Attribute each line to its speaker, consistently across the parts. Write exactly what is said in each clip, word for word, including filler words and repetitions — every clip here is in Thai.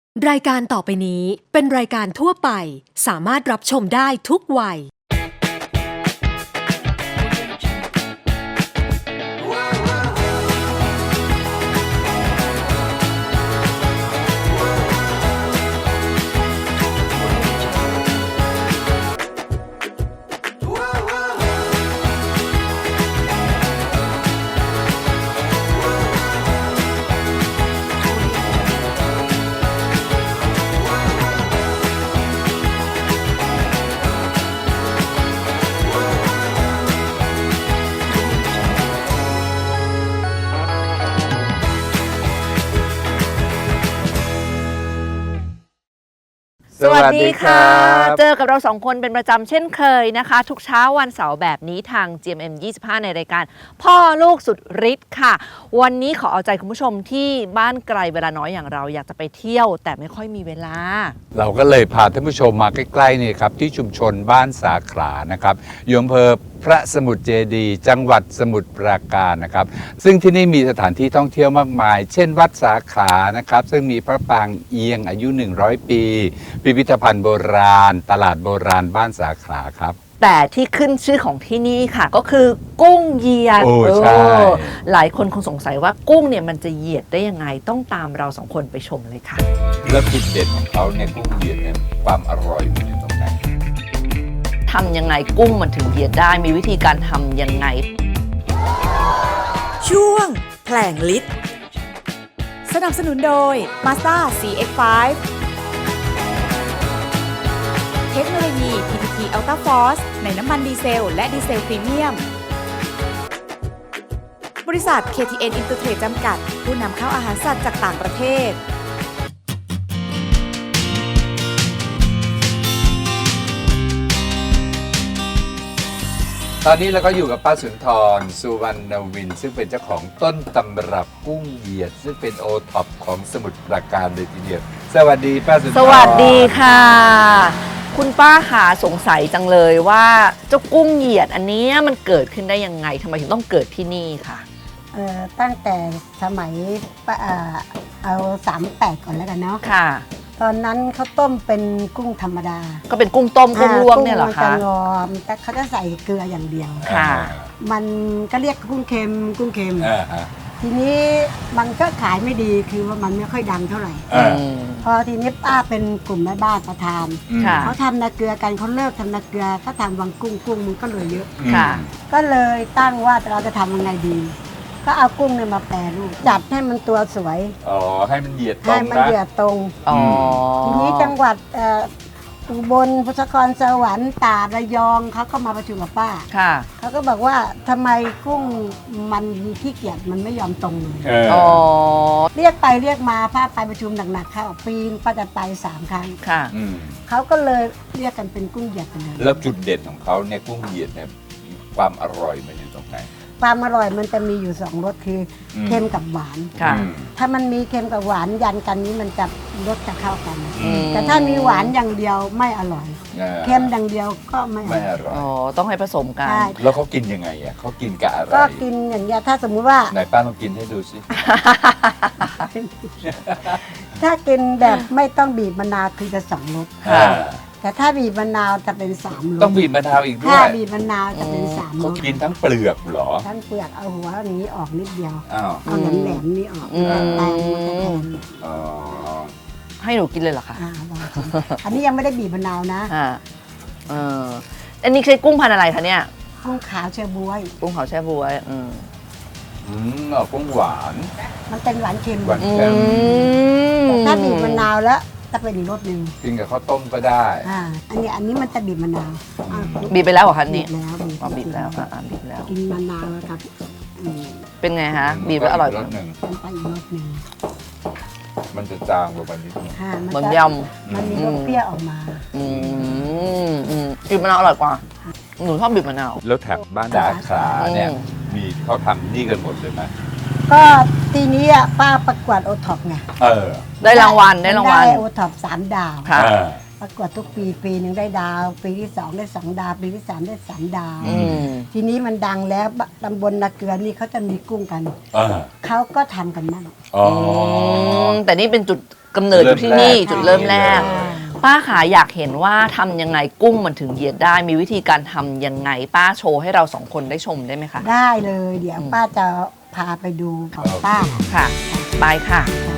Speaker 1: รายการต่อไปนี้เป็นรายการทั่วไปสามารถรับชมได้ทุกวัย
Speaker 2: สวัสดีค่ะ เจอกับเราสองคนเป็นประจำเช่นเคยนะคะ ทุกเช้าวันเสาร์แบบนี้ทาง จี เอ็ม เอ็ม ยี่สิบห้า ในรายการพ่อลูกสุดฤทธิ์ค่ะวันนี้ขอเอาใจคุณผู้ชมที่บ้านไกลเวลาน้อยอย่างเราอยากจะไปเที่ยวแต่ไม่ค่อยมีเวลา
Speaker 3: เราก็เลยพาท่านผู้ชมมาใกล้ๆนี่ครับที่ชุมชนบ้านสาขลานะครับอยู่อำเภอพระสมุทรเจดีย์จังหวัดสมุทรปราการนะครับซึ่งที่นี่มีสถานที่ท่องเที่ยวมากมายเช่นวัดสาขลานะครับซึ่งมีพระปางเอียงอายุหนึ่งร้อยปีพิพิธภัณฑ์โบราณตลาดโบราณบ้านสาขลาครับ
Speaker 2: แต่ที่ขึ้นชื่อของที่นี่ค่ะก็คือกุ้งเหยียด
Speaker 3: โอ้ใช่
Speaker 2: หลายคนคงสงสัยว่ากุ้งเนี่ยมันจะเหยียดได้ยังไงต้องตามเราสองคนไปชมเลยค่ะ
Speaker 3: แล้วจุดเด่นของเขาเนี่ยกุ้งเหยียดเนี่ยความอร่อยมันอยู่ตรงไหน
Speaker 2: ทำยังไงกุ้งมันถึงเหยียดได้มีวิธีการทำยังไง
Speaker 4: ช่วงแผลงฤทธิ์สนับสนุนโดย Mazda ซี เอ็กซ์ ไฟว์ เทคโนโลยี พี ที ที Ultra Force ในน้ำมันดีเซลและดีเซลพรีเมียม บริษัท เค ที เอ็น Intertrade จำกัดผู้นำเข้าอาหารสัตว์จากต่างประเทศ
Speaker 3: ตอนนี้เราก็อยู่กับป้าสุนทรสุวรรณวินซึ่งเป็นเจ้าของต้นตำรับกุ้งเหยียดซึ่งเป็นโอท็อปของสมุทรปราการเลยทีเดียวสวัสดีป้าสุนทร
Speaker 2: สวัสดีค่ะคุณป้าขาสงสัยจังเลยว่าเจ้ากุ้งเหยียดอันนี้มันเกิดขึ้นได้ยังไงทำไมถึงต้องเกิดที่นี่ค่ะ
Speaker 5: เอ่อตั้งแต่สมัยป้าเอ่อเอาสามแปดก่อนแล้วกันเนาะ
Speaker 2: ค่ะ
Speaker 5: ตอนนั้นเขาต้มเป็นกุ้งธรรมดา
Speaker 2: ก็เป็นกุ้งต้มกุ้งลวกเนี่ยเหรอคะ
Speaker 5: กุ้งมันจะงอมแต่เขาจะใส่เกลืออย่างเดียว
Speaker 2: ค่ะ
Speaker 5: มันก็เรียกกุ้งเค็มกุ้งเค็ม
Speaker 3: uh-huh.
Speaker 5: ทีนี้มันก็ขายไม่ดีคือว่ามันไม่ค่อยดังเท่าไหร่
Speaker 3: uh-huh.
Speaker 5: พอทีนี้ป้าเป็นกลุ่มแม่บ้านประทานเขาทำนาเกลือกันเขาเลิกทำนาเกลือก็ทำวังกุ้งกุ้งมันก็เลยเยอะก็เลยตั้งว่าเราจะทำยังไงดีก็เอากุ้งเนี่ยมาแปรรูปจัดให้มันตัวสวย
Speaker 3: อ๋อให้มันเหยียดตรงนะ
Speaker 5: ให้มันเหยียดตรง
Speaker 2: อ๋อ
Speaker 5: ทีนี้จังหวัดอุบลพุทธครสวรรค์ตราดระยองเขาก็มาประชุมกับป้า
Speaker 2: ค่ะ
Speaker 5: เขาก็บอกว่าทำไมกุ้งมันขี้เกียจมันไม่ยอมตรงเลย
Speaker 2: อ๋อ
Speaker 5: เรียกไปเรียกมาป้าไปประชุมหนักๆเข้าปีนป้าจะไปสามครั้ง
Speaker 2: ค่ะ
Speaker 5: เขาก็เลยเรียกกันเป็นกุ้งเหยียดไปเลย
Speaker 3: แล้วจุดเด่นของเขาเนี่ยกุ้งเหยียดเนี่ยความอร่อยมันอยู่ตรงไหน
Speaker 5: ความอร่อยมันจะมีอยู่สองรสคือเค็มกับหวานถ้ามันมีเค็มกับหวานยันกันนี้มันจะรสจะเข้ากันแต่ถ้ามีหวานอย่างเดียวไม่อร่อยเค็มอย่างเดียวก็ไม่อร่อย
Speaker 2: อ๋อต้องให้ผสมกัน
Speaker 3: แล้วเขากินยังไงอ่ะเขากินกับอะไร
Speaker 5: ก็กินอย่างเงี้ยถ้าสมมุติว่า
Speaker 3: ไหนป้าลองกินให้ดูสิ
Speaker 5: ถ้ากินแบบไม่ต้องบีบมะนาวคือจะสองรสแต่ถ้าบีบมะนาวจะเป็นสามรส
Speaker 3: ต้องบีบมะนาวอีกด้วย
Speaker 5: ถ้าบีบมะนาวจะเป็นสามรส
Speaker 3: เขากินทั้งเปลือกเหรอ
Speaker 5: ทั้งเปลือกเอาหัวอย่างนี้ออกนิดเดียว
Speaker 3: เอา
Speaker 5: แหลมแหลมนี้ออกแตงมันจะแทน
Speaker 2: ให้หนูกินเลยเหรอคะ
Speaker 5: อันนี้ยังไม่ได้บีบมะนาวนะ
Speaker 2: เอออันนี้ใช้กุ้งพันธุ์อะไรคะเนี่ย
Speaker 5: กุ้งขาวแช่บ๊วย
Speaker 2: กุ้งขาวแช่บ๊วยอืม
Speaker 3: อืมเอากุ้งหวาน
Speaker 5: มันเป็นหวานเค็ม
Speaker 3: หวานเค็ม
Speaker 5: ถ้าบีบมะนาวแล้วจะเป็นอีกรสหนึ่ง
Speaker 3: กินกับข้าวต้มก็ได้
Speaker 5: อ่าอันนี้อันนี้มันจะบีบมะนาว
Speaker 2: บีบไปแล้วเหรอคะนี่
Speaker 5: บีบแล้ว
Speaker 2: บีบแล้วอ่าบีบแล้ว
Speaker 5: กินมะนาวแล้วครับ
Speaker 2: เป็นไงฮะบีบแล้วอร่อย
Speaker 3: รสหนึ่ง
Speaker 5: มันไปอีกรสหนึ่ง
Speaker 3: มันจะจางกว่าวันนี้
Speaker 5: เห
Speaker 2: มือนยำ
Speaker 5: มันมีรสเปรี้ยวออกมา
Speaker 2: อืมอืมบีบมะนาวอร่อยกว่าหนูชอบบีบมะนาว
Speaker 3: แล้วแถบบ้านสาขลาเนี่ยมีเขาทำนี่กันหมดเลยไหม
Speaker 5: ก็ทีนี้ป้าประกวดโอท็อปไง
Speaker 3: เออ
Speaker 2: ได้รางวัลได้รางวัล
Speaker 5: ได้โอท็อปสามดาว
Speaker 2: ค่ะ
Speaker 5: ประกวดทุกปีปีหนึ่งได้ดาว ปีที่สองได้สองดาว ปีที่สามได้สามดาว
Speaker 2: อืม
Speaker 5: ทีนี้มันดังแล้วตำบลนาเกลือนี่เขาจะมีกุ้งกัน
Speaker 3: อ่า
Speaker 5: เขาก็ทำกันมั่ง
Speaker 3: อ๋อ
Speaker 2: มแต่นี่เป็นจุดกำเนิดอยู่ที่นี่
Speaker 3: เริ่มแรก
Speaker 2: จุดเริ่มแรก
Speaker 5: อ่า
Speaker 2: ป้าขาอยากเห็นว่าทำยังไงกุ้งมันถึงเหยียดได้ มีวิธีการทำยังไงป้าโชว์ให้เราสองคนได้ชมได้ไหมคะ
Speaker 5: ได้เลย เดี๋ยวป้าจะพาไปดูของป้า
Speaker 2: ค่ะไปค่ะ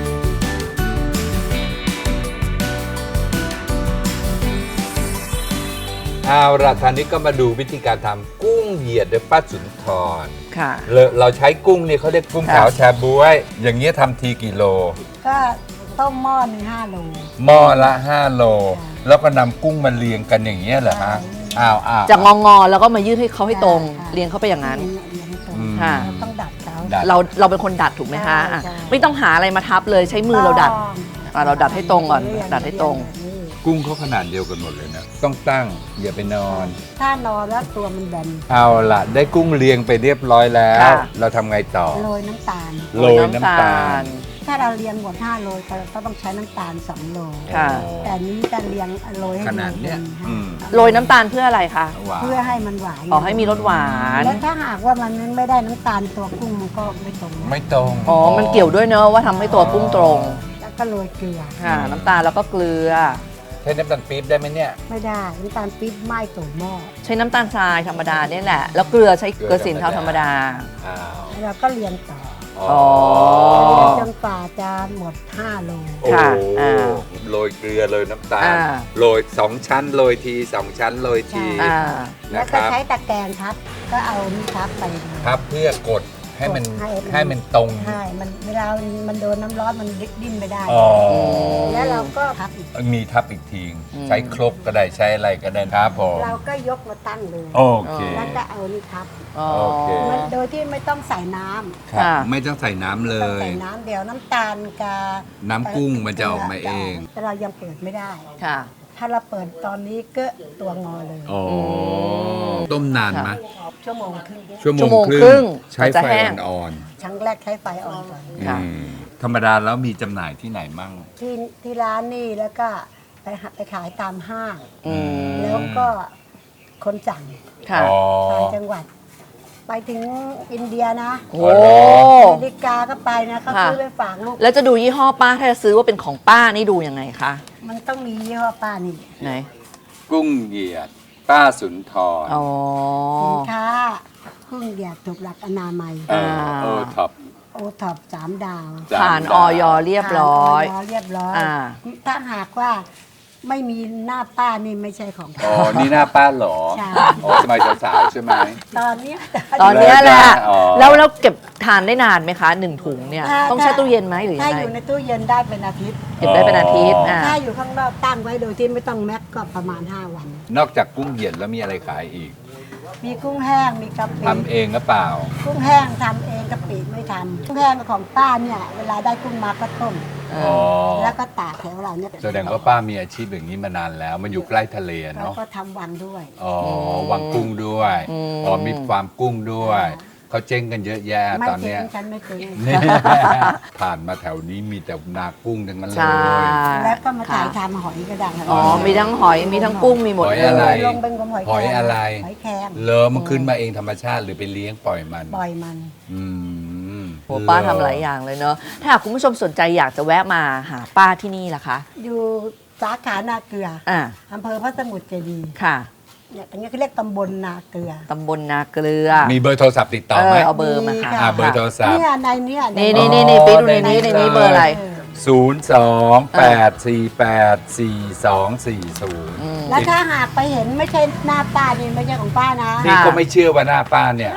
Speaker 3: เอาละทานนี้ก็มาดูวิธีการทำกุ้งเหยียดโดยป้าสุนทร
Speaker 2: ค่ะ
Speaker 3: เราเราใช้กุ้งนี่เขาเรียกกุ้ง
Speaker 2: ค่ะ
Speaker 3: ขาวแชบ๊วย อย่างเงี้ยทำทีกี่โล
Speaker 5: ก็ต้มหม้อหนึ่งห้าโล
Speaker 3: หม้อละห้าโล แล้วก็นำกุ้งมาเรียงกันอย่างเงี้ยเหรอฮะ
Speaker 5: ใช่
Speaker 3: อ้าวอ้าว
Speaker 2: จะงองอๆแล้วก็มายืดให้เขาให้ตรง
Speaker 5: ใช่
Speaker 2: เรียงเข้าไปอย่างนั้น
Speaker 5: เรียงให้ตรง
Speaker 3: อืม
Speaker 2: ค่ะ
Speaker 5: เราต้องดัดเขา
Speaker 3: ดัด
Speaker 2: เราเราเป็นคนดัดถูกไหมคะอ่ะ
Speaker 5: ใช่
Speaker 2: ไม่ต้องหาอะไรมาทับเลยใช้มือเราดัด อ่ะเราดัดให้ตรงก่อนดัดให้ตรง
Speaker 3: กุ้งเขาขนาดเดียวกันหมดเลยนะต้องตั้งอย่าไปนอน
Speaker 5: ถ้านอนแล้วตัวมันแบน
Speaker 3: เอาล่ะ ได้กุ้งเรียงไปเรียบร้อยแล้ว
Speaker 2: ค่ะ
Speaker 3: เราทำไงต่อ
Speaker 5: โรยน้ำตาล
Speaker 3: โรยน้ำตาล
Speaker 5: ถ้าเราเรียงหมดห้าโลก็ต้องใช้น้ำตาลสองโล
Speaker 2: ค่ะ
Speaker 5: แต่อันนี้จะเรียงโรยให้
Speaker 3: ข
Speaker 5: มัน
Speaker 3: นาดเนี้ย
Speaker 5: ป็
Speaker 3: อืม
Speaker 2: โรยน้ำตาลเพื่ออะไรคะ
Speaker 3: หวาน
Speaker 5: เพื่อให้มันหวาน
Speaker 2: อ๋อให้มีรสหวาน
Speaker 5: แล้วถ้าหากว่ามันไม่ได้น้ำตาลตัวกุ้งมันก็ไม่ตรงนะ
Speaker 3: ไม่ตรง
Speaker 2: อ๋อมันเกี่ยวด้วยเนอะว่าทำให้ตัวกุ้งตรง
Speaker 5: แล้วก็โรยเกลือ
Speaker 2: ค่ะ น้ำตาลแล้วก็เกลือ
Speaker 3: ใช้น้ำตาลปี๊บได้ไหมเนี่ย
Speaker 5: ไม่ได้น้ำตาลปี๊บไหม้ตัวหม้อ
Speaker 2: ใช้น้ำตาลทรายธรรมดาเนี่ยแหละ แล้วเกลือใช้เกลือสินเทาธรรมดา
Speaker 3: อ้าว
Speaker 5: แล้วเราก็เรียงต่อ
Speaker 2: อ๋อ
Speaker 5: จนกว่าจะหมดห้าโล
Speaker 3: โอ้
Speaker 2: ค่ะ
Speaker 3: โห
Speaker 2: อ่า
Speaker 3: โรยเกลือโรยน้ำตาล
Speaker 2: อ่า
Speaker 3: โรยสองชั้นโรยทีสองชั้นโรยที
Speaker 2: อ่า
Speaker 5: แล้ว
Speaker 3: นะค
Speaker 5: ก็
Speaker 3: รับ
Speaker 5: ใช้ตะแกรงทับก็เอานี่ทับไปเลย
Speaker 3: ครับเพื่อกดให้มัน
Speaker 5: ให้มัน
Speaker 3: ให้มันตรง
Speaker 5: ใช่มันเวลามันโดนน้ำร้อนมันดิ้นไม่ได้
Speaker 3: อ๋อ
Speaker 5: แล้วเราก็ทับอีก
Speaker 3: มีทับอีกที
Speaker 2: อืม
Speaker 3: ใช้ครกก็ได้ใช้อะไรก็ได้ครับผม
Speaker 5: เราก็ยกมาตั้งเลย
Speaker 3: โอเค
Speaker 5: แล้วก็เอานี่ทับ
Speaker 2: อ๋อ
Speaker 3: โอเค
Speaker 5: มันโดยที่ไม่ต้องใส่น้ำ
Speaker 3: ครับ
Speaker 2: ค่ะ
Speaker 3: ไม่ต้องใส่น้ำเล
Speaker 5: ต้อง
Speaker 3: ย
Speaker 5: ใส่น้ำเดี๋ยวน้ำตาลกับ
Speaker 3: น้ำกุ้งมันจะออกมาเอง
Speaker 5: แต่เรายังเปิดไม่ได้
Speaker 2: ค่ะ
Speaker 5: ถ้าเราเปิดตอนนี้ก็ตัวงอเลย
Speaker 3: อ๋อต้มนานไหม
Speaker 5: ชั่วโมงครึ่ง
Speaker 3: ชั่วโม
Speaker 2: ชั่
Speaker 3: ง
Speaker 2: วโมง
Speaker 3: ค
Speaker 2: ครึ่
Speaker 3: รึ่
Speaker 2: ง
Speaker 3: งใช้
Speaker 2: มันจะ
Speaker 3: ไฟ
Speaker 2: แห้ง
Speaker 3: อ่อน
Speaker 5: ครั้งแรกใช้ไฟอ่อนก่อน
Speaker 3: ๆ
Speaker 2: ค่ะ
Speaker 3: อืมธรรมดาแล้วมีจำหน่ายที่ไหนมั่ง
Speaker 5: ที่ที่ร้านนี่แล้วก็ไปหาไปขายตามห้าง
Speaker 2: อืม
Speaker 5: แล้วก็คนสั่ง
Speaker 2: ค่ะ
Speaker 3: อ๋อ
Speaker 5: ต่างจังหวัด ไปถึงอินเดียนะ
Speaker 2: โอ้
Speaker 3: อ๋อเหรอ
Speaker 5: อเมริกาก็ไปนะเขา
Speaker 2: ค่ะ
Speaker 5: ซื้อไปฝากลูก
Speaker 2: แล้วจะดูยี่ห้อป้าถ้าจะซื้อว่าเป็นของป้านี่ดูยังไงคะ
Speaker 5: มันต้องมียี่ห้อป้านี่
Speaker 2: ไหน
Speaker 3: กุ้งเหยียด ป้าสุนทร
Speaker 2: อ๋อ
Speaker 5: สินค้าพึ่งเดียดถูกหลักอนามัย
Speaker 3: เออโอท็อป
Speaker 5: โอท็อปสามดาว
Speaker 3: สาม
Speaker 2: ผ่าน
Speaker 3: ดาว
Speaker 2: ออยเรียบร้อย
Speaker 5: ผ่าน เรียบร้อย
Speaker 2: อ่า
Speaker 5: ถ้าหากว่าไม่มีหน้าป้านี่ไม่ใช่ของ
Speaker 3: อ๋อ นี่หน้าป้าเหรอ
Speaker 5: ใช่
Speaker 3: อ๋อสมัยสาวๆใช่ไหม
Speaker 5: ตอนเนี้ย
Speaker 2: ตอนเนี้ยแหละ
Speaker 3: อ๋อ
Speaker 2: แล้วแล้วเก็บทานได้นานไหมคะหนึ่งถุงเนี่ย
Speaker 5: ถ้า
Speaker 2: ต้องแช่ตู้เย็นไหมหรือยั
Speaker 5: ถ้าง
Speaker 2: ไง
Speaker 5: อยู่ในตู้เย็นได้เป็นอาทิตย์
Speaker 2: เก็บได้เป็นอาทิตย์อ่า
Speaker 5: ถ้าอยู่ข้างนอกตั้งไว้โดยที่ไม่ต้องแม็กก็ประมาณ ห้า วัน
Speaker 3: นอกจากกุ้งเหยียดแล้วมีอะไรขายอีก
Speaker 5: มีกุ้งแห้งมีกะปิ
Speaker 3: ทำเองหรือเปล่า
Speaker 5: กุ้งแห้งทำเองกะปิไม่ทำกุ้งแห้งของป้าเนี่ยเวลาได้กุ้งมาก็ต้ม
Speaker 2: เอ
Speaker 3: อ๋อ
Speaker 2: อ
Speaker 5: แล้วก็ตากแถวเราเนี่ย
Speaker 3: แสดงว่าป้ามีอาชีพอย่างนี้มานานแล้ว มันอยู่ใกล้ทะเล
Speaker 5: แล้ว
Speaker 3: เนาะ
Speaker 5: ก็ทำวังด้วย
Speaker 3: อ๋อ วังกุ้งด้วย อ๋อ มีฟาร์มกุ้งด้วย เขาเจ๊งกันเยอะแยะ
Speaker 5: ไม่
Speaker 3: ตอน
Speaker 5: เจ๊
Speaker 3: เนี้ย
Speaker 5: งฉันไม่เจ๊ง
Speaker 3: เนี่ยผ่านมาแถวนี้มีแต่นากุ้งทั้งนั้นเล
Speaker 2: ใช่
Speaker 3: ย
Speaker 5: แล้วก็มาถ่ายทำหอยกระดัง
Speaker 2: อ๋อ มีทั้งหอย มีทั้งกุ้ง มีหมด
Speaker 3: หอย
Speaker 2: เล
Speaker 3: อะไร
Speaker 2: ย
Speaker 5: ลงเป็นกลมหอย
Speaker 3: หอยอะไร
Speaker 5: หอยแครง
Speaker 3: เลอมันขึ้นมาเองธรรมชาติหรือไปเลี้ยงปล่อยมัน
Speaker 5: ปล่อยมัน
Speaker 3: อืม
Speaker 2: โอ้ป้าทำหลายอย่างเลยเนอะถ้าหากคุณผู้ชมสนใจอยากจะแวะมาหาป้าที่นี่ล่ะคะ
Speaker 5: อยู่สาขานาเกลือ
Speaker 2: อ่า
Speaker 5: อำเภอพระสมุทรเจดีย์
Speaker 2: ค่ะ
Speaker 5: เนี่ยตรงนี้เขาเรียกตำบลนาเกลือ
Speaker 2: ตำบลนาเกลือ
Speaker 3: มีเบอร์โทรศัพท์ติดต่อไหม
Speaker 2: เออเอาเบอร์มาค่ะ
Speaker 3: อ่าเบอร์โทรศัพท์
Speaker 5: เนี่ยในเนี้ย
Speaker 2: นี่
Speaker 5: ใ
Speaker 2: นี่นี่นี่ไปดูในนี้ในนี้เบอร์อะไร
Speaker 3: ศูนย์สองแปดสี่แปดสี่สองสี่ศูนย์
Speaker 2: อืม
Speaker 5: แล้วถ้าหากไปเห็นไม่ใช่หน้าป้านี่ไม่ใช่ของป้านะ
Speaker 3: นี่ก็ไม่เชื่อว่าหน้าป้าเนี่ย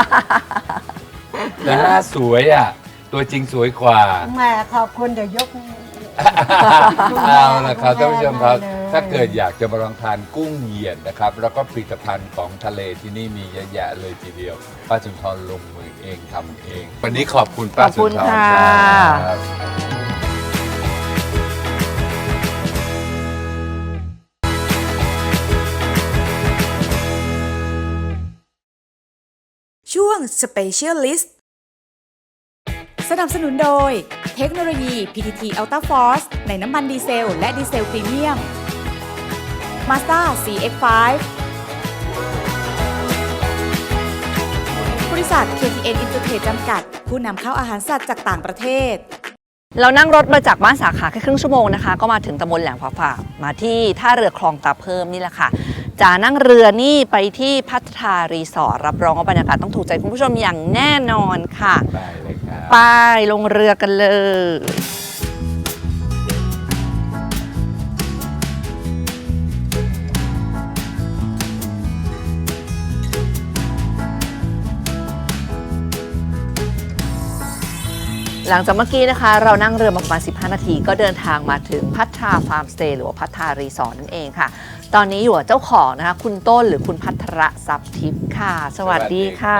Speaker 3: แต่หน้าสวยอ่ะ ตัวจริงสวยกว่า
Speaker 5: แหมขอบคุณเดี๋ยวยก
Speaker 3: เอาละครับท่านผู้ชมครับ
Speaker 5: ได้เลย
Speaker 3: ถ้าเกิดอยากจะมาลองทานกุ้งเหยียดนะครับ แล้วก็ผลิตภัณฑ์ของทะเลที่นี่มีเยอะแยะเลยทีเดียว ป้าสุนทรลงมือเองทำเอง วันนี้ขอบคุณป้าสุนทร
Speaker 2: ขอบคุณค่ะ
Speaker 3: ครับ
Speaker 4: ช่วง Specialist สนับสนุนโดยเทคโนโลยี พี ที ที Ultra Force ในน้ำมันดีเซลและดีเซลพรีเมียม Mazda ซี เอ็กซ์ ไฟว์ บริษัท เค ที เอ็น Intertrade จำกัด ผู้นำเข้าอาหารสัตว์จากต่างประเทศ
Speaker 2: เรานั่งรถมาจากบ้านสาขาแค่ครึ่งชั่วโมงนะคะก็มาถึงตำบลแหลมฝาฝามาที่ท่าเรือคลองตาเพิ่มนี่แหละค่ะจะนั่งเรือนี่ไปที่พัทรารีสอร์ทรับรองว่าบรรยากาศต้องถูกใจคุณผู้ชมอย่างแน่นอนค่ะ
Speaker 3: ได้เลยครับ
Speaker 2: ไปลงเรือกันเลย หลังจากเมื่อกี้นะคะเรานั่งเรือมาประมาณสิบห้านาทีก็เดินทางมาถึงพัทราฟาร์มสเตย์หรือว่าพัทรารีสอร์ทนั่นเองค่ะตอนนี้อยู่กับเจ้าของนะคะคุณต้นหรือคุณพัทรทรัพย์ทิพย์ค่ะสวัสดีค่ะ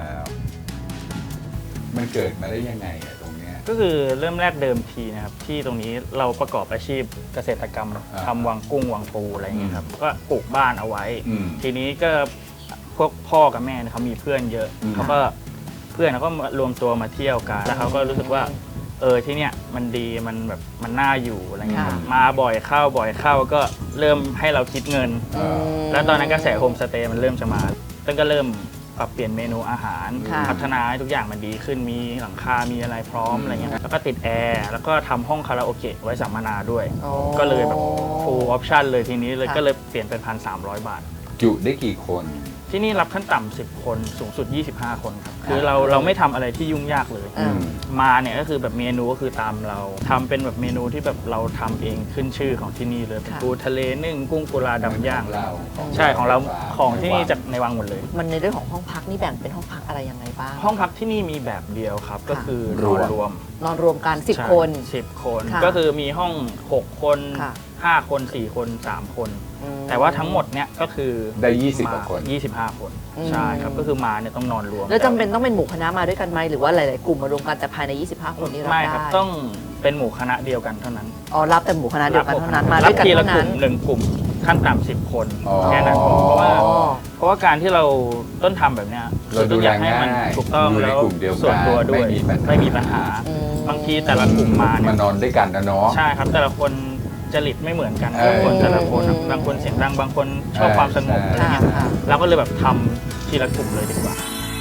Speaker 3: มันเกิดมาได้ยังไงอะตรงเนี้ย
Speaker 6: ก็คือเริ่มแรกเดิมทีนะครับที่ตรงนี้เราประกอบอาชีพเกษตรกรรม
Speaker 3: อ่า
Speaker 6: ทำวังกุ้งวังปูอะไรอย่างเงี้ยครับก็ปลูกบ้านเอาไว้
Speaker 3: อืม
Speaker 6: ทีนี้ก็พวกพ่อกับแม่เนี่ยเขามีเพื่อนเยอะ
Speaker 3: อืม
Speaker 6: เขาก็เพื่อนเขาก็มารวมตัวมาเที่ยวกันแล้วเขาก็รู้สึกว่าเออที่เนี้ยมันดีมันแบบมันน่าอยู่อะไรเงี้ยครับ
Speaker 2: ค่ะ
Speaker 6: มาบ่อยเข้าบ่อยเข้าก็เริ่มให้เราคิดเงิน
Speaker 3: เออ
Speaker 6: แล้วตอนนั้นกระแสโฮมสเตย์มันเริ่มจะมาต้นก็เริ่มปรับเปลี่ยนเมนูอาหาร
Speaker 2: ค่ะ
Speaker 6: พัฒนาให้ทุกอย่างมันดีขึ้นมีหลังคา มีอะไรพร้อมอะไรเงี้ยแล้วก็ติดแอร์แล้วก็ทำห้องคาราโอเกะไว้สัมมนาด้วย
Speaker 2: โอ้
Speaker 6: ก็เลยแบบ full option เลยทีนี้เลย
Speaker 2: ค่ะ
Speaker 6: ก็เลยเปลี่ยนเป็นพันสามร้อยบาท
Speaker 3: จุได้กี่คน
Speaker 6: ที่นี่รับขั้นต่ำสิบคนสูงสุดยี่สิบห้าคนครับคือเราเราไม่ทำอะไรที่ยุ่งยากเลย
Speaker 2: อืม
Speaker 6: มาเนี่ยก็คือแบบเมนูก็คือตามเราทำเป็นแบบเมนูที่แบบเราทำเองขึ้นชื่อของที่นี่เลยเป็น
Speaker 2: ค่ะ
Speaker 6: ปูทะเลนึ่งกุ้งกุลาดำย่าง
Speaker 3: ของเราของ
Speaker 6: ใช่ของเรา
Speaker 3: ฟม
Speaker 6: ของที่นี่จากในวังหมดเลย
Speaker 2: มันในเรื่องของห้องพักนี่แบ่งเป็นห้องพักอะไรยังไงบ้าง
Speaker 6: ห้องพักที่นี่มีแบบเดียวครับ ก็คือ
Speaker 3: ร
Speaker 6: น
Speaker 3: ว
Speaker 6: อ
Speaker 3: ม
Speaker 6: นรวม
Speaker 2: นอนรวมกันสิบ
Speaker 6: ใช่
Speaker 2: คน
Speaker 6: สิบคน
Speaker 2: ค่ะ
Speaker 6: ก็คือมีห้องหกคน
Speaker 2: ค่ะ
Speaker 6: ห้าคนสี่คนสามคน
Speaker 2: อืม
Speaker 6: แต่ว่าทั้งหมดเนี่ยก็คือ
Speaker 3: ได้ยี่สิบ
Speaker 6: มาก
Speaker 3: ว่าคน
Speaker 6: ยี่สิบห้าคน
Speaker 2: อืม
Speaker 6: ใช่ครับก็คือมาเนี่ยต้องนอนรวม
Speaker 2: แล้วจำเป็นต้องเป็นหมู่คณะมาด้วยกันไหมหรือว่าหลายๆกลุ่มมารวมกันแต่ภายในยี่สิบห้าคนนี้รับ
Speaker 6: ไม่
Speaker 2: ได้
Speaker 6: ครับต้องเป็นหมู่คณะเดียวกันเท่านั้น
Speaker 2: อ๋อรับแต่หมู่คณะเดียวกันเท่านั้นมา
Speaker 6: รั
Speaker 2: ด้วยกัน
Speaker 6: ทีละ
Speaker 2: เท่าก นั้
Speaker 6: ลุ่
Speaker 2: น
Speaker 6: มหนึ่งกลุ่มขั้นต่ำสิบคน
Speaker 3: อ๋อ
Speaker 6: แค่นั้นพอเพราะว่า
Speaker 2: อ๋อ
Speaker 6: เพราะว่าการที่เราต้นทำแบบเนี้ย
Speaker 3: เราดู
Speaker 6: ต้นอยากให้
Speaker 3: แล
Speaker 6: มัน
Speaker 3: ง่าย
Speaker 6: ถูกต้อง
Speaker 3: อยู่ใน
Speaker 6: แล้ว
Speaker 3: กลุ่มเดียวกัน
Speaker 6: ส่วนตัวด้วย
Speaker 3: ไม่มีปัญหา
Speaker 6: ไม่มีปัญหา
Speaker 2: อืม
Speaker 6: บางทีแต่ละกลุ่มมาเนี่ย
Speaker 3: มานอนด้วยกันนะเนาะ
Speaker 6: ใช่ครับแต่ละคนจริตไม่เหมือนกัน
Speaker 3: เออ
Speaker 6: แต่ละคนแต่ละคนอะ
Speaker 2: อืม
Speaker 6: บางคนเสียงดังบางคนชอบ
Speaker 3: เออ
Speaker 6: ความสงบ
Speaker 3: ใช่
Speaker 6: อะไรเงี้ย
Speaker 2: ค่ะ
Speaker 6: เราก็เลยแบบทำทีละกลุ่มเลยดีกว่า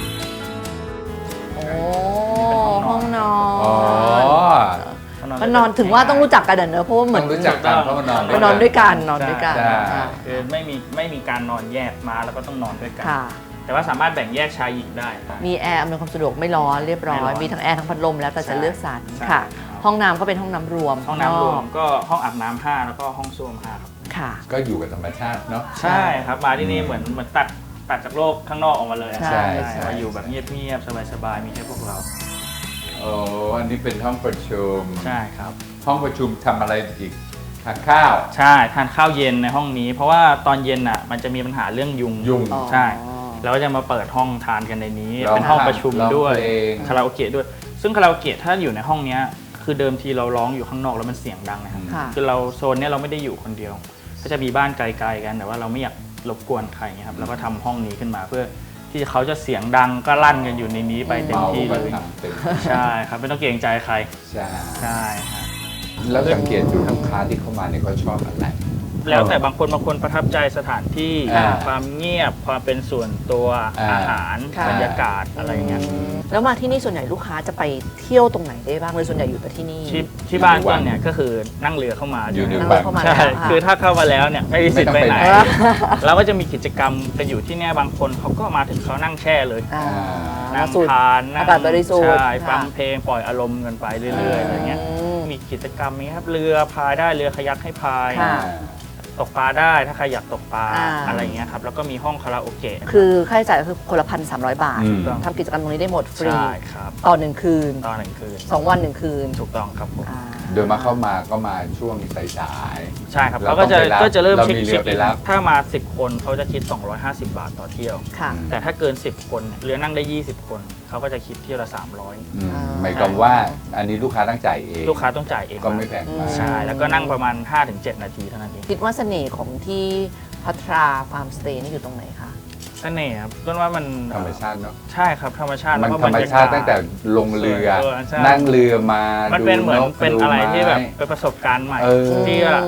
Speaker 2: โอ้ห้องนอ
Speaker 3: อ๋อ
Speaker 2: นมันนอนถึงว่าต้องรู้จักกันเนอะเพราะว่าเหมื
Speaker 3: ต้
Speaker 2: อ
Speaker 3: อน งรู้จักกันเพราะมันนอน
Speaker 2: มานอนด้วยกันนอนด้วยกัน
Speaker 3: ใช่
Speaker 2: ค่ะ
Speaker 6: คือไม่มีไม่มีการนอนแยกมาแล้วก็ต้องนอนด้วยกัน
Speaker 2: ค่ะ
Speaker 6: แต่ว่าสามารถแบ่งแยกชายหญิงได้ครับ
Speaker 2: มีแอร์อำนวยความสะดวกไม่ร้อนเรียบร้อ
Speaker 6: ไม่ร้
Speaker 2: ย
Speaker 6: อน
Speaker 2: มีทั้งแอร์ทั้งพัดลมแล้วแต่จะเลือกสรร
Speaker 6: ใช่
Speaker 2: ค่ะ ห้องน้ำก็เป็นห้องน้ำรวม
Speaker 6: ห้องน้ำรวม
Speaker 2: นก
Speaker 6: ก็ห้องอาบน้ำห้าแล้วก็ห้องส้วมห้าครับ
Speaker 2: ค่ะ
Speaker 3: ก็อยู่กับธรรมชาติเนาะ
Speaker 6: ใช่ครับมาที่นี่เหมือนเหมือนตัดตัดจากโลกข้างนอกออกมาเลย
Speaker 2: ใช่
Speaker 3: ใช่
Speaker 6: มาอยู่แบบเงียบๆสบายๆมีแค่พวกเรา
Speaker 3: โอ้อันนี้เป็นห้องประชุม
Speaker 6: ใช่ครับ
Speaker 3: ห้องประชุมทำอะไรอีกทานข้าว
Speaker 6: ใช่ทานข้าวเย็นในห้องนี้ เพราะว่าตอนเย็นอ่ะมันจะมีปัญหาเรื่องยุง
Speaker 3: ยุง
Speaker 2: อ๋อ
Speaker 6: ใช่เราก็จะมาเปิดห้องทานกันในนี้
Speaker 3: ร้อง
Speaker 6: เป็นห้องประชุม
Speaker 3: ร้อง
Speaker 6: ด้วย
Speaker 3: เพลง
Speaker 6: คาราโอเกะด้วย ซึ่งคาราโอเกะถ้าอยู่ในห้องเนี้ยคือเดิมทีเราร้องอยู่ข้างนอกแล้วมันเสียงดังนะครับ
Speaker 2: ค่ะ
Speaker 6: คือเราโซนเนี้ยเราไม่ได้อยู่คนเดียว ก็จะมีบ้านไกลๆกันแต่ว่าเราไม่อยากรบกวนใครเงี้ยครับเราก็ทำห้องนี้ขึ้นมาเพื่อที่เขาจะเสียงดังก็ลั่นกันอยู่ในนี้ไปเต็ม
Speaker 3: เมา
Speaker 6: ที่
Speaker 3: ก็
Speaker 6: เลย
Speaker 3: ทำเต็ม
Speaker 6: ใช่ครับไม่ต้องเกรงใจใคร
Speaker 3: ใช่
Speaker 6: ใช่ครับ
Speaker 3: แล้วสังเกตดูลูกค้าที่เข้ามาเนี่ยเขาชอบอะไร
Speaker 6: แล้วแต่บางคนบางคนประทับใจสถานที่
Speaker 3: อ่า
Speaker 6: ความเงียบความเป็นส่วนตัว
Speaker 3: อ่า
Speaker 6: อาหาร
Speaker 2: ค่ะ
Speaker 6: บรรยากาศอะไรเงี้ย
Speaker 2: แล้วมาที่นี่ส่วนใหญ่ลูกค้าจะไปเที่ยวตรงไหนได้บ้างเลยส่วนใหญ่อยู่แต่ที่นี่
Speaker 6: ที่ที่บ้านต้นเนี่ยก็คือนั่งเรือเข้ามา
Speaker 3: อยู่ใน
Speaker 2: นั่ง
Speaker 3: วั
Speaker 2: เรื
Speaker 3: ง
Speaker 2: อเข้ามา
Speaker 6: ใช่
Speaker 2: แล้วค่ะ
Speaker 6: คือถ้าเข้ามาแล้วเนี่ยไม่มีสิทธิ์ไปไหน
Speaker 3: ไม่ต้องไปไหน
Speaker 6: เราก็จะมีกิจกรรมกันอยู่ที่เนี่ยบางคนเขาก็มาถึงเขานั่งแช่เลย
Speaker 2: อ่า
Speaker 6: นั่ง
Speaker 2: สูด
Speaker 6: ทานนั่ง
Speaker 2: อากาศบริสุทธิ์
Speaker 6: ใช่
Speaker 2: ค่ะ
Speaker 6: ฟังเพลงปล่อยอารมณ์กันไปเรื่อยๆอะไรเงี้ย
Speaker 2: อืม
Speaker 6: มีกิจกรรมนี้ครับเรือพายได้เรือคายักให้พาย
Speaker 2: ค่ะ
Speaker 6: ตกปลาได้ถ้าใครอยากตกปลา
Speaker 2: อ่า
Speaker 6: อะไรเงี้ยครับแล้วก็มีห้องคาราโอเกะ
Speaker 2: คือค่าใช้จ่ายก็คือคนละพันสามร้อยบาท
Speaker 3: อืม
Speaker 2: ทำกิจกรรมตรงนี้ได้หมดฟรี
Speaker 6: ใช่ครับ
Speaker 2: ต่อหนึ่งคืน
Speaker 6: ตอนหนึ่งคืน
Speaker 2: สองวันหนึ่งคืน
Speaker 6: ถูกต้องครับผม
Speaker 2: อ่า
Speaker 3: โดยมาเข้ามาก็มาช่วงสาย
Speaker 6: ใช่ครับ
Speaker 3: เรา
Speaker 6: เขาก็จะ
Speaker 3: ต้องไปรับ
Speaker 6: ก็จะเริ่ม
Speaker 3: เรา
Speaker 6: เช็ค
Speaker 3: มีเรือ
Speaker 6: เช็ค
Speaker 3: ไปรับ
Speaker 6: ถ้ามาสิบคนเขาจะคิดสองร้อยห้าสิบบาทต่อเที่ยว
Speaker 2: ค่ะ
Speaker 6: แต่ถ้าเกินสิบคนเนี่ยเรือนั่งได้ยี่สิบคนเขาก็จะคิดเที่ยวละสามร้อย
Speaker 3: ๆอืม
Speaker 2: อ่า
Speaker 3: หมายความว่าอันนี้ลูกค้าต้องจ่ายเอง
Speaker 6: ลูกค้าต้องจ่ายเอง
Speaker 3: ก็ไม่แพงมาก
Speaker 6: ใช่แล้วก็นั่งประมาณ ห้าถึงเจ็ด นาทีเท่านั้นเอง
Speaker 2: คิดว่าเสน่ห์ของที่พัทราฟาร์มสเตย์นี่อยู่ตรงไหนคะ
Speaker 6: เสน่ห์ครับต้นว่ามัน
Speaker 3: ธรรมชาติเนาะ
Speaker 6: ใช่ครับธรรมชาติ
Speaker 3: มัน
Speaker 6: แล้วก็
Speaker 3: ธรรมชาติ
Speaker 6: บยกศ
Speaker 3: ตั้งแต่ลงเรือ
Speaker 6: เออใช่
Speaker 3: นั่งเรือมา
Speaker 6: มัน
Speaker 3: ดู
Speaker 6: เป็นเหมือน
Speaker 3: นก
Speaker 6: เป็น
Speaker 3: ดู
Speaker 6: อะไรที่แบบ
Speaker 3: ไม้
Speaker 6: เป็นประสบการณ์ใหม่
Speaker 3: เออ
Speaker 6: ที่แบบ
Speaker 2: อืม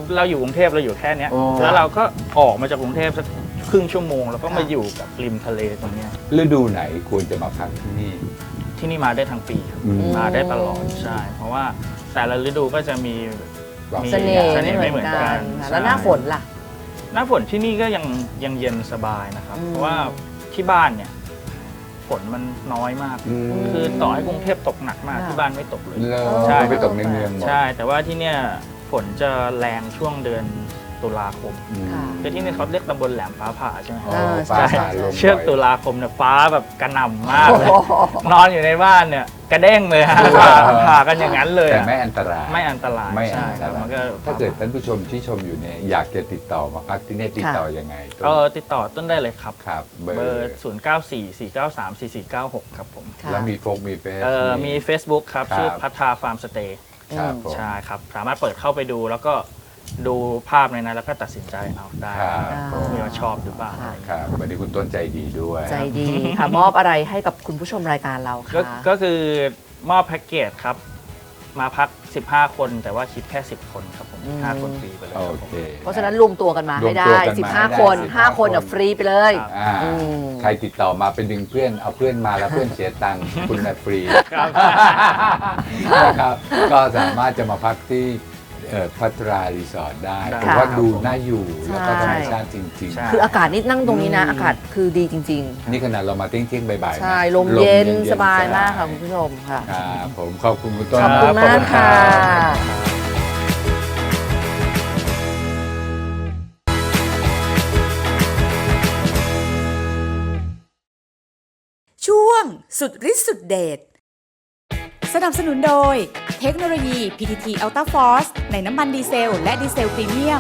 Speaker 6: เราอยู่กรุงเทพเราอยู่แค่เนี้ย
Speaker 3: โอ้
Speaker 6: แล้วเราก็ออกมาจากกรุงเทพสักครึ่งชั่วโมงแล้วก็มาอยู่กับริมทะเลตรงเนี้ย
Speaker 3: ฤดูไหนควรจะมาพักที่นี่
Speaker 6: ที่นี่มาได้ทั้งปีครับ
Speaker 3: อืม
Speaker 6: มาได้ตลอดใช่ เพราะว่าแต่ละฤดูก็จะมี มี
Speaker 2: เสน่ห์
Speaker 6: เสน่
Speaker 2: ไม่
Speaker 6: ห์
Speaker 2: เหมือน
Speaker 6: ไม่เหมือนกั
Speaker 2: กัน
Speaker 6: น
Speaker 2: ค่ะ
Speaker 6: ใช่
Speaker 2: แล้วหน้าฝนล่ะ
Speaker 6: หน้าฝนที่นี่ก็ยังยังเย็นสบายนะครับ
Speaker 2: อืม
Speaker 6: เพราะว่าที่บ้านเนี่ยฝนมันน้อยมาก
Speaker 3: อืม
Speaker 6: คือต่อให้กรุงเทพตกหนักมาก
Speaker 2: ค่ะ
Speaker 6: ที่บ้านไม่ตกเลย
Speaker 3: แล้ว
Speaker 6: ใช่
Speaker 3: ไปตกในเมืองหมด
Speaker 6: ใช่ แต่ว่าที่เนี่ยฝนจะแรงช่วงเดือนตุลาคม
Speaker 3: อืม
Speaker 2: ค่ะ
Speaker 6: คือที่นี่เขาเรียกตำบลแหลมฟ้าผ่าใช่ไหม
Speaker 3: อ๋อ
Speaker 2: เออ
Speaker 3: ฟ้า
Speaker 6: ใช่
Speaker 3: ผ่าลม
Speaker 6: เชือก
Speaker 3: บ่ย
Speaker 6: ตุลาคมเนี่ยฟ้าแบบกระหน่ำมากเลย
Speaker 2: โอ้โห
Speaker 6: นอนอยู่ในบ้านเนี่ยกระเด้งเลยฮะ
Speaker 3: เออ
Speaker 6: ผ่าผ่ากันอย่างนั้นเลย
Speaker 3: แต่
Speaker 6: อะ
Speaker 3: ไม่อันตราย
Speaker 6: ไม่อันตราย
Speaker 3: ไม่
Speaker 6: ใช่
Speaker 3: อัน
Speaker 6: ค
Speaker 3: ต
Speaker 6: รับ
Speaker 3: รา
Speaker 6: มัน
Speaker 3: ย
Speaker 6: ก็
Speaker 3: ถ้าเกิดท่านผู้ชมที่ชมอยู่เนี่ยอยากจะติดต่อมาพักที่นี่ติดต่อยังไงต้น
Speaker 6: เออติดต่อต้นได้เลยครับ
Speaker 3: ครับเบ
Speaker 6: เบ
Speaker 3: อ
Speaker 6: อ
Speaker 3: ร์
Speaker 6: ร์ ศูนย์ เก้า สี่ สี่ เก้า สาม สี่ สี่ เก้า หก ครับผม
Speaker 2: ค่ะ
Speaker 3: แล้วมีโฟกมีเฟซ
Speaker 6: เออมี Facebook ครับ
Speaker 3: ครับ
Speaker 6: ชื่อพัทราฟาร์มสเตย์
Speaker 3: ครับผม
Speaker 6: ใช่ครับ สามารถเปิดเข้าไปดูแล้วก็ดูภาพในนั้นแล้วก็ตัดสินใจเอาได้
Speaker 3: ครับผม
Speaker 6: ว่าชอบหรือเปล่า
Speaker 2: ค่ะ
Speaker 3: ครับวันนี้คุณต้นใจดีด้วย
Speaker 2: ใจดีค่ะ มอบอะไรให้กับคุณผู้ชมรายการเรา
Speaker 6: ก็
Speaker 2: คะ
Speaker 6: ก็คือมอบแพ็กเกจครับ มาพัก สิบห้า คนแต่ว่าคิดแค่ สิบ คนครับผมห้าคนฟรีไปเลยค
Speaker 3: โอ
Speaker 6: รับผม
Speaker 3: เค
Speaker 2: เพราะฉะนั้นรวมตัวกันมาให้
Speaker 3: รวม
Speaker 2: ได้
Speaker 3: ตัวกันมา
Speaker 2: สิบห้า
Speaker 3: ให้ได้
Speaker 2: คน
Speaker 3: สิบ
Speaker 2: ห้า
Speaker 3: ห้า
Speaker 2: คนอ่ะ
Speaker 3: คน
Speaker 2: ฟรีไปเลย
Speaker 6: ครับ
Speaker 3: อ่า
Speaker 2: อืม
Speaker 3: ใครติดต่อมาเป็นดึงเพื่อนเอาเพื่อนมาแล้วเพื่อนเสียตังค์ คุณน่ะฟรี
Speaker 6: ครับ
Speaker 3: นะครับก็สามารถจะมาพักที่เอ่อพัทรารีสอร์ทได้
Speaker 6: ได้
Speaker 3: ผมว่า
Speaker 6: ครับ
Speaker 3: ดู
Speaker 6: ผม
Speaker 3: น่าอยู่แล้วก็
Speaker 2: ใช่
Speaker 3: ธรรมชาติจริง
Speaker 6: ใช่
Speaker 2: คืออากาศนี่นั่งตรงนี้นะ
Speaker 3: อืม
Speaker 2: อากาศคือดีจริง
Speaker 3: ๆ นี่ขนาดเรามาเที่ยงเที่ยงๆบ่ายๆ
Speaker 2: ๆ
Speaker 3: นะ
Speaker 2: ใช่ลมเย็นสบาย
Speaker 3: ๆ
Speaker 2: มากค่ะคุณผู้ชมค่ะ
Speaker 3: ครับผมขอบคุณคุณต้น
Speaker 2: ขอบคุณ
Speaker 3: รั
Speaker 2: มากค่ะ
Speaker 4: ช่วงสุดฤทธิ์สุดเดชสนับสนุนโดยเทคโนโลยี พี ที ที Ultra Force ในน้ำมันดีเซลและดีเซลพรีเมียม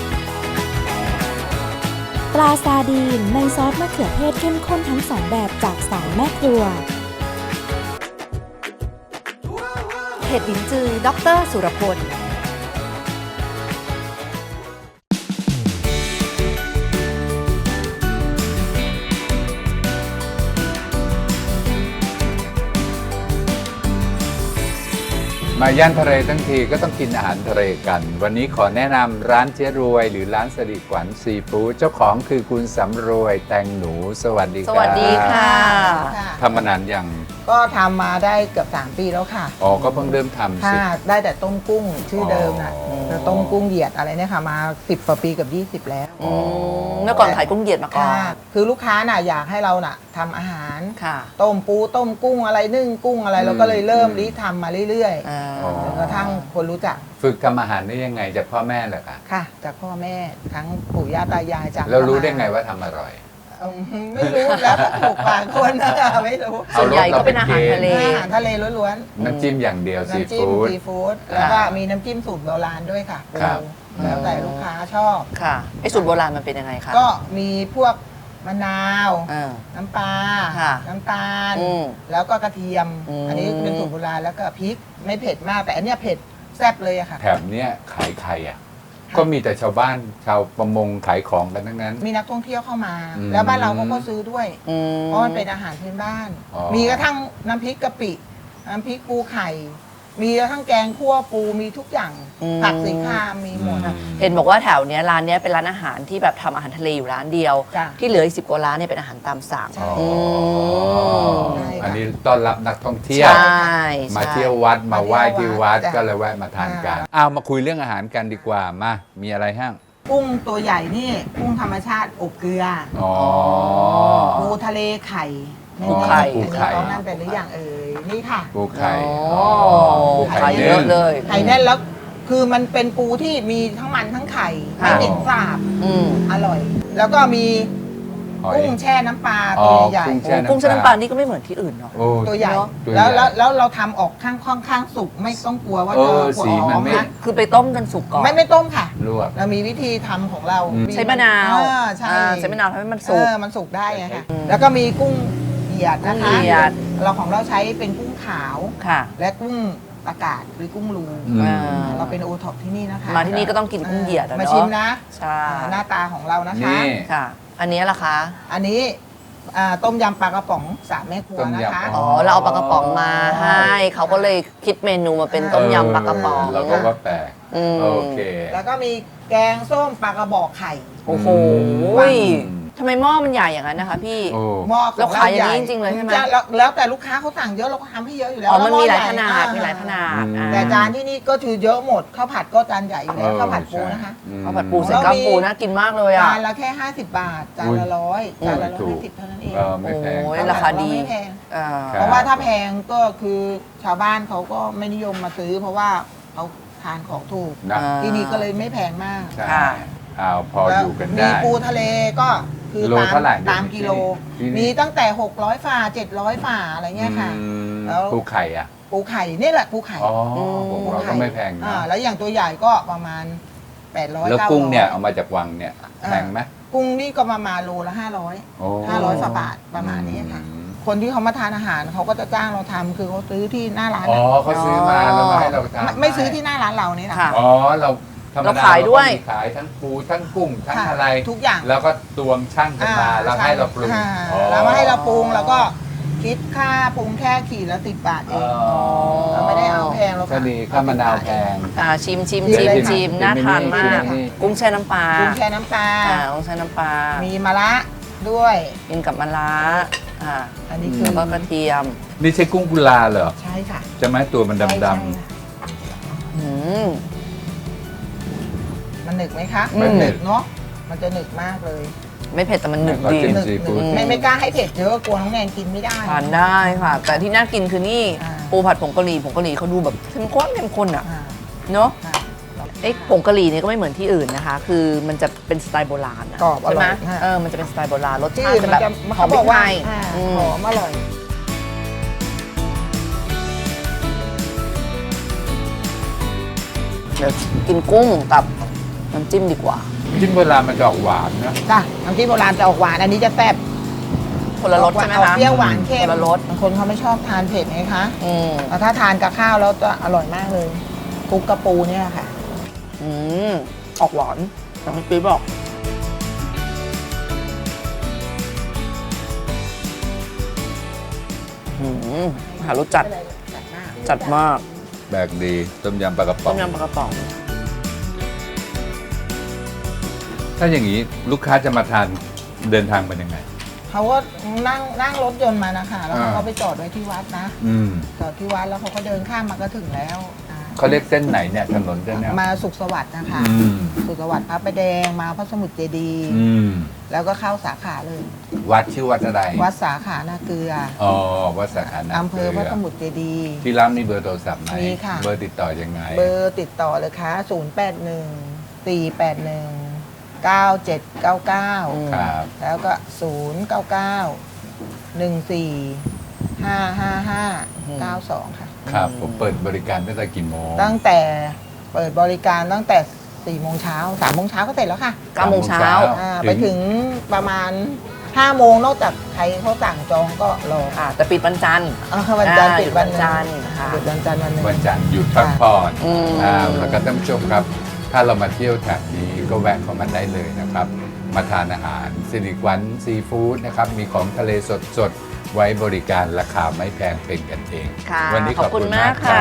Speaker 7: ปลาซาดีนในซอสมะเขือเทศเข้มข้นทั้งสองแบบจากสามแม่ครัว
Speaker 2: เห็ดหลินจือด็อกเตอร์สุรพล
Speaker 3: มาย่านทะเลทั้งทีก็ต้องกินอาหารทะเลกัน วันนี้ขอแนะนำร้านเจ๊รวย หรือร้านสริขวัญซีฟู้ดเจ้าของคือคุณสำรวยแตงหนู สวัสดี
Speaker 2: ส
Speaker 3: ครับ
Speaker 2: วัสดีค่ะ
Speaker 8: ค่ะ
Speaker 3: ทำมานานยัง
Speaker 8: ก็ทำมาได้เกือบสามปีแล้วค่ะ
Speaker 3: อ๋อก็เพิ่งเริ่มทำสิ
Speaker 8: ค่ะได้แต่ต้มกุ้งชื่อเดิมน่ะ
Speaker 3: อ๋อ
Speaker 8: แต่ต้มกุ้งเหยียดอะไรเนี่ยค่ะมาสิบกว่าปีกับยี่สิบแล้ว
Speaker 2: อืมเมื่อก่อนขายกุ้งเหยียดมาก่อน
Speaker 8: ค่ะคือลูกค้าน่ะอยากให้เราน่ะทำอาหาร
Speaker 2: ค่ะ
Speaker 8: ต้มปูต้มกุ้งอะไรนึ่งกุ้งอะไรเราก็เลยเริ่มริทำมาเรื่อย
Speaker 2: อ่า
Speaker 3: อ๋อ
Speaker 8: ๆจนกระทั่งคนรู้จัก
Speaker 3: ฝึกทำอาหารได้ยังไงจากพ่อแม่เหรอคะ
Speaker 8: ค่ะ จากพ่อแม่ทั้งปู่ย่าตายายจาก
Speaker 3: แล้วรู้ได้ไงว่าทำอร่อย
Speaker 8: อืมไม่รู้แล้วก็ถูกปากคนนะไม่รู้
Speaker 2: ส่วนใหญ่ก็เป็นอาหารทะเล
Speaker 8: อาหารทะเลล้วน
Speaker 3: น้ำจิ้มอย่างเดียว
Speaker 8: ๆ
Speaker 3: ซี
Speaker 8: น้ำจิ้ม
Speaker 3: ฟู้ด
Speaker 8: ซีฟู้ดแล้วก็มีน้ำจิ้มสูตรโบราณด้วยค่ะ
Speaker 3: ครับ
Speaker 8: แล้วแต่ลูกค้าชอบ
Speaker 2: ค่ะไอ้สูตรโบราณมันเป็นยังไงคะ
Speaker 8: ก็มีพวกมะนาว
Speaker 2: อ่า
Speaker 8: น้ำปลา
Speaker 2: ค่ะ
Speaker 8: น้ำตาล
Speaker 2: อืม
Speaker 8: แล้วก็กระเทียม
Speaker 2: อืม
Speaker 8: อันนี้เป็นสูตรโบราณแล้วก็พริกไม่เผ็ดมากแต่อันเนี้ยเผ็ดแซ่บเลยอะค่ะ
Speaker 3: แถบเนี้ยขายใครอ่ะ ก็มีแต่ชาวบ้านชาวประมงขายของกันทั้งนั้น
Speaker 8: มีนักท่องเที่ยวเข้ามา
Speaker 3: อืม
Speaker 8: แล้วบ้านเราเขาก็ซื้อด้วย
Speaker 2: อืม
Speaker 8: เพราะมันเป็นอาหารพื้นบ้าน
Speaker 3: อ๋อ
Speaker 8: มีกระทั่งน้ำพริกกะปิ น้ำพริกปูไข่ มีกระทั่งแกงคั่วปูมีทุกอย่าง
Speaker 2: อืม
Speaker 8: ผักสีคามมีหมด
Speaker 3: อืม
Speaker 2: เห็นบอกว่าแถวเนี้ยร้านเนี้ยเป็นร้านอาหารที่แบบทำอาหารทะเลอยู่ร้านเดียว
Speaker 8: จ้ะ
Speaker 2: ที่เหลืออีกสิบกว่าร้านเนี่ยเป็นอาหารตามสั่ง
Speaker 8: ใช่
Speaker 3: อ๋อ
Speaker 8: ใช่
Speaker 3: อันนี้ต้อนรับนักท่องเที่ยว
Speaker 2: ใช่
Speaker 3: มา
Speaker 2: ใช่
Speaker 3: เที่ยววัดมาไหว้ที่วัด
Speaker 8: จ้ะ
Speaker 3: ก็เลยแวะมาทานกันอ้าวมาคุยเรื่องอาหารกันดีกว่ามามีอะไรห้าง
Speaker 8: กุ้งตัวใหญ่นี่กุ้งธรรมชาติอบเกลือ
Speaker 3: อ๋อ
Speaker 8: ปูทะเลไข่
Speaker 3: ปูไข่
Speaker 8: อันนี้
Speaker 3: ปูไข่
Speaker 8: ต้องนั่นเป็นหรือยังเอ่ยนี่ค่ะ
Speaker 3: ปูไข่
Speaker 2: อ๋อ
Speaker 3: ปู
Speaker 2: ไข่
Speaker 3: ไข่
Speaker 2: เย
Speaker 3: นึ่
Speaker 2: อะ
Speaker 3: ง
Speaker 2: เลย
Speaker 8: ไข่แน่นแล้วคือมันเป็นปูที่มีทั้งมันทั้งไข่ไม่เหม็นสาบ
Speaker 2: อืม
Speaker 8: อร่อย แล้วก็มี
Speaker 3: หอย
Speaker 8: กุ้งแช่น้ำปลา
Speaker 3: อ๋อ
Speaker 8: ตัวใหญ่
Speaker 3: กุ้ง
Speaker 2: โอ้
Speaker 3: แช่
Speaker 2: กุ้งแช่น้ำปลานี่ก็ไม่เหมือนที่อื่นเนาะ
Speaker 3: โอ้
Speaker 8: ตัวใหญ่
Speaker 2: เนอะ
Speaker 3: ตัวใหญ่
Speaker 8: แล้วแล้วแล้วเราทำออกข้างค่อนข้างสุกไม่ต้องกลัวว่า
Speaker 3: เอ
Speaker 8: จะ
Speaker 3: อ
Speaker 8: หัว
Speaker 3: สีมัน
Speaker 8: หอม
Speaker 3: ไม่
Speaker 8: นะ
Speaker 2: คือไปต้มกันสุกก่อน
Speaker 8: ไม่ไม่ต้มค่ะ
Speaker 3: ลวก
Speaker 8: เรามีวิธีทำของเรา
Speaker 3: อืม
Speaker 2: ใช้มะนาว
Speaker 8: เออใช่
Speaker 2: อ่าใช้มะนาวทำให้มันสุก
Speaker 8: เออมันสุกได้ไงค่ะ
Speaker 2: อืม
Speaker 8: แล้วก็มีกุ้งเหยียดนะคะ
Speaker 2: กุ้งเหยียด
Speaker 8: เราของเราใช้เป็นกุ้งขาว
Speaker 2: ค่ะ
Speaker 8: และกุ้งอากาศหรือกุ้งรู
Speaker 3: อืม
Speaker 2: อ่า
Speaker 8: เราเป็นโอท็อปที่นี่นะคะ
Speaker 2: มาที่นี่ก็ต้องกินกุ้งเหยียดอะ
Speaker 8: มา
Speaker 2: เนาะ
Speaker 8: ชิมนะ
Speaker 2: ใช่
Speaker 8: อ่าหน้าตาของเรานะคะ
Speaker 3: นี่
Speaker 2: ค่ะ อันนี้ล่ะคะ
Speaker 8: อันนี้อ่าต้มยำปลากระป๋องสามแม่ครัว
Speaker 3: ต้ม
Speaker 8: นะ
Speaker 3: ยำ
Speaker 8: คะ
Speaker 2: อ๋อเราเอาปลากระป๋องมาให้เขาก็เลยคิดเมนูมาเป็นต้มยำปลากระป๋อง
Speaker 3: เราก็ว่าแปลก
Speaker 2: ออืม
Speaker 3: โอเค
Speaker 8: แล้วก็มีแกงส้มปลากระบอกไข่
Speaker 2: โอ้โห
Speaker 3: อืม
Speaker 2: ทำไมหม้อมันใหญ่อย่างนั้นนะคะพี่
Speaker 3: โอ้
Speaker 8: หม้อของ
Speaker 2: เราขายอย่างนี้
Speaker 8: ใหญ่
Speaker 2: จริงๆเลยใช่ไหม
Speaker 8: จะแล้วแล้วแต่ลูกค้าเขาสั่งเยอะเราก็ทำให้เยอะอยู่แล้ว
Speaker 2: อ๋อมันมีหลาย
Speaker 8: แว
Speaker 2: ขนาด
Speaker 8: อ่
Speaker 2: มีหลายขนาด
Speaker 3: อืม
Speaker 2: อ่
Speaker 8: แต่จานที่นี่ก็คือเยอะหมดข้าวผัดก็จานใหญ่อยู่แล้ว
Speaker 3: เออ
Speaker 8: ข้าวผัดปู
Speaker 3: ใช่
Speaker 8: นะคะ
Speaker 3: อืม
Speaker 2: ข้าวผัดปูใส่กล้ามปูน่ากินมากเลยอ่ะ
Speaker 8: จานละแค่ห้าสิบบาทจานละร้อยจานละร้อยห้าสิบเท่านั้นเอง
Speaker 3: เออไม่แพง
Speaker 2: โอ้ย
Speaker 8: ข้วผั
Speaker 2: ราคาดี
Speaker 8: ไม่แพง
Speaker 2: อ่า
Speaker 3: คบ
Speaker 8: เพราะว่าถ้าแพงก็คือชาวบ้านเขาก็ไม่นิยมมาซื้อ เพราะว่าเขาทานของถูก
Speaker 3: นะ
Speaker 2: อ่า
Speaker 8: ที่นี่ก็เลยไม่แพงมาก
Speaker 3: ใช่
Speaker 2: ค่ะ
Speaker 3: เอาพออยู่กัน
Speaker 8: มี
Speaker 3: ได้
Speaker 8: ปูทะเลก็คือ
Speaker 3: โล
Speaker 8: ตาม
Speaker 3: เท่าไหร่
Speaker 8: ตามกิโล
Speaker 3: ที่นี่
Speaker 8: มีตั้งแต่หกร้อยฝ่าเจ็ดร้อยฝ่าอะไรเงี้ยค่ะ
Speaker 3: อืม
Speaker 8: แล้ว
Speaker 3: ปูไข่อ่ะ
Speaker 8: ปูไข่นี่แหละปูไข่
Speaker 3: อ๋อ
Speaker 2: ม
Speaker 3: ผมเราก็ไม่แพงนะ
Speaker 8: อ่าแล้วอย่างตัวใหญ่ก็ประมาณแปดร้อย
Speaker 3: แล้ว
Speaker 8: เก้าร้อย
Speaker 3: กุ้งเนี่ยเอามาจากวังเนี่ยแพงไหม
Speaker 8: กุ้งนี่ก็ประมาณโลละห้าร้อย
Speaker 3: โอ้
Speaker 8: ห้าร้อยฝ่าบาทประมาณนี้ค่ะ
Speaker 3: อืม
Speaker 8: คนที่เขามาทานอาหารเขาก็จะจ้างเราทำคือเขาซื้อที่หน้าร้าน
Speaker 3: อ๋อ
Speaker 8: อะ
Speaker 3: เขาซื้อมาแล้วมาให้เราทาน
Speaker 8: ไม่ไม่ซื้อที่หน้าร้านเรานี่นะ
Speaker 2: ค่ะ
Speaker 3: อ๋อเราธรรม
Speaker 2: เรา
Speaker 3: ดา
Speaker 2: ขายด้วย
Speaker 3: เรก็มีขายทั้งปูทั้งกุ้งทั้ง
Speaker 8: ค่ะ
Speaker 3: อะไร
Speaker 8: ทุกอย่าง
Speaker 3: แล้วก็ตวงช่างกันมา
Speaker 8: อ่
Speaker 3: แล้วให้เราปรุง
Speaker 8: ค่ะ
Speaker 3: อ๋อ
Speaker 8: แล้วมาให้เราปรุงแล้วก็คิดค่าปรุงแค่ขีดละสิบบาทเอ
Speaker 3: อ๋
Speaker 8: ง
Speaker 3: อ
Speaker 8: เราไม่ได้เอาแพงเรา
Speaker 3: ก็ดีข้าวมะนาวแพง
Speaker 2: อ่าชิมชิม
Speaker 8: ชิ
Speaker 2: ชิ
Speaker 8: ม
Speaker 2: ม
Speaker 8: เลย
Speaker 2: ชิม
Speaker 3: ค่ะ
Speaker 2: น่าทานมาก
Speaker 3: ชิมนี่
Speaker 2: กุ้งแช่น้ำปลา
Speaker 8: ปรุงแค่น้ำปลา
Speaker 2: อ่ากุ้งแช่น้ำปลา
Speaker 8: มีมะระด้วย
Speaker 2: กินกับมะระอ่า
Speaker 8: อันนี้คือ
Speaker 2: แล้วก็กระเทียม
Speaker 3: นี่ใช่กุ้งกุลาเหรอ
Speaker 8: ใช่ค่ะ
Speaker 3: จะไหมตัวมัน
Speaker 8: ใช่
Speaker 3: ดำ
Speaker 8: ใช่
Speaker 2: อืม
Speaker 8: มันหนึกไหมคะ
Speaker 2: อืม
Speaker 8: มันหนึกเนาะมันจะหนึกมากเลย
Speaker 2: ไม่เผ็ดแต่มันหนึบ
Speaker 3: ขอ
Speaker 2: ดี
Speaker 3: จิ้ม
Speaker 8: หนึก
Speaker 3: ซีฟู้ด
Speaker 8: ไม่ไม่กล้าให้เผ็ดเยอะกลัวน้องแนนกินไม่ได้
Speaker 2: ทานได้ค่ะ แต่ที่น่ากินคือนี่
Speaker 8: อ่า
Speaker 2: ปูผัดผงกะหรี่ผงกะหรี่เขาดูแบบเข้มข้นเข้มข้นอ่ะ
Speaker 8: อ่า
Speaker 2: เนาะ
Speaker 8: ค่ะ
Speaker 2: ไอ้ผงกะหรี่เนี่ยก็ไม่เหมือนที่อื่นนะคะ คือมันจะเป็นสไตล์โบราณอะ
Speaker 8: กรอบอ
Speaker 2: ใช่ไหม
Speaker 8: ร่อยค่ะ
Speaker 2: เออมันจะเป็นสไตล์โบราณรส
Speaker 8: ที่
Speaker 2: ชาติ
Speaker 8: อื่น
Speaker 2: จะ
Speaker 8: มัน
Speaker 2: แบบ
Speaker 8: จะ
Speaker 2: หอ
Speaker 8: เขา
Speaker 2: ม
Speaker 8: บ
Speaker 2: พริ
Speaker 8: อก
Speaker 2: กไท
Speaker 8: ว่าย อ่า
Speaker 2: อืม
Speaker 8: หอมอร่อย
Speaker 2: เดี๋ยวกินกุ้งกับน้ำจิ้มดีกว่า
Speaker 3: จิ้มโบราณมันจะออกหวานนะ
Speaker 8: จ้ะน้ำจิ้มโบราณจะออกหวานอันนี้จะแซ่บ
Speaker 2: คนละรสใช่ไหม
Speaker 8: ออก
Speaker 2: คะ
Speaker 8: เปรี้ยวหวานเค็ม
Speaker 2: คนละรส
Speaker 8: บางคนเขาไม่ชอบทานเผ็ดไงคะ
Speaker 2: อืม
Speaker 8: แต่ถ้าทานกับข้าวแล้วจะอร่อยมากเลยคลุกกระปูเนี่ยค่ะ
Speaker 2: อืมออกหวานอย่างที่ปีบอกอืมหารสจัดจัดมาก
Speaker 3: แบกดีต้มยำปลากระป๋
Speaker 2: ต้
Speaker 3: อง
Speaker 2: มยำปลากระป๋อง
Speaker 3: ถ้าอย่างนี้ลูกค้าจะมาทานเดินทางเป็นยังไง
Speaker 8: เขาก็นั่งนั่งรถยนต์มานะคะแล้วเขา
Speaker 3: อ่า
Speaker 8: ก็ไปจอดไว้ที่วัดนะ
Speaker 3: อืม
Speaker 8: จอดที่วัดแล้วเขาก็เดินข้ามมาก็ถึงแล้วอ่า
Speaker 3: เขาเรียกเส้นไหนเนี่ยถนนเส้นเนี้ย
Speaker 8: มาสุขสวัสดิ์นะคะ
Speaker 3: อืม
Speaker 8: สุขสวัสดิ์พระประแดงมาพระสมุทรเจดีย์
Speaker 3: อืม
Speaker 8: แล้วก็เข้าสาขาเลย
Speaker 3: วัดชื่อวัดอะไร
Speaker 8: วัดสาขานาเกลือ
Speaker 3: อ๋อวัดสาขานา
Speaker 8: อำเภอพระส
Speaker 3: กลื
Speaker 8: มุทรเจดีย์
Speaker 3: ที่ร้านมีเบอร์โทรศัพท์ไหม
Speaker 8: มีค่ะ
Speaker 3: เบอร์ติดต่อยังไง
Speaker 8: เบอร์ติดต่อเลยค่ะศูนย์ แปด หนึ่ง สี่ แปด หนึ่ง เก้า เจ็ด เก้า เก้า
Speaker 3: ครับ
Speaker 8: แล้วก็ ศูนย์ เก้า เก้า หนึ่ง สี่ ห้า ห้า ห้า เก้า สอง ค่ะ
Speaker 3: ครับผมเปิดบริการตั้งแต่กี่โมง
Speaker 8: ตั้งแต่เปิดบริการตั้งแต่สี่โมงเช้าสามโมงเช้าก็เสร็จแล้วค่ะ
Speaker 2: เก้าโมงเช้า
Speaker 8: อ่าไปถึงประมาณห้าโมงนอกจากใครเขาสั่งจองก็รอ
Speaker 2: อ่าแต่ปิดวันจันทร์
Speaker 8: อ่าวันจันทร์
Speaker 2: อ่า
Speaker 8: ปิดวัน
Speaker 2: วันจันทร์ค่ะ
Speaker 8: ปิดวันจันทร์วันหนึง
Speaker 3: วันจันทร์หยุดพักผ่อน
Speaker 2: อืม
Speaker 3: อ่าแล้วก็ท่านผู้ชมครับ ถ้าเรามาเที่ยวแถบนี้ก็แวะเข้ามาได้เลยนะครับ มาทานอาหารสิริวันซีฟู้ดนะครับ มีของทะเลสดๆ ไว้บริการราคาไม่แพงเป็นกันเอง
Speaker 2: ค่ะ
Speaker 3: วันี้
Speaker 2: ขอบคุณมากค่ะ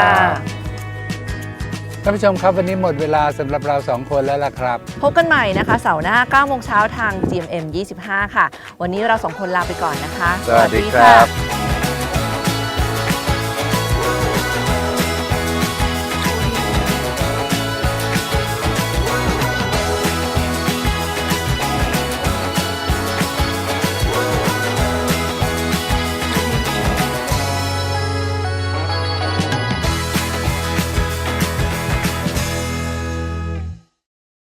Speaker 3: ท่านผู้ชมครับวันนี้หมดเวลาสำหรับเราสองคนแล้วล่ะครับ
Speaker 2: พบกันใหม่นะคะเสาร์หน้าเก้าโมงเช้าทาง จี เอ็ม เอ็ม ยี่สิบห้า ค่ะ วันนี้เราสองคนลาไปก่อนนะคะ
Speaker 3: สวัสดีครับ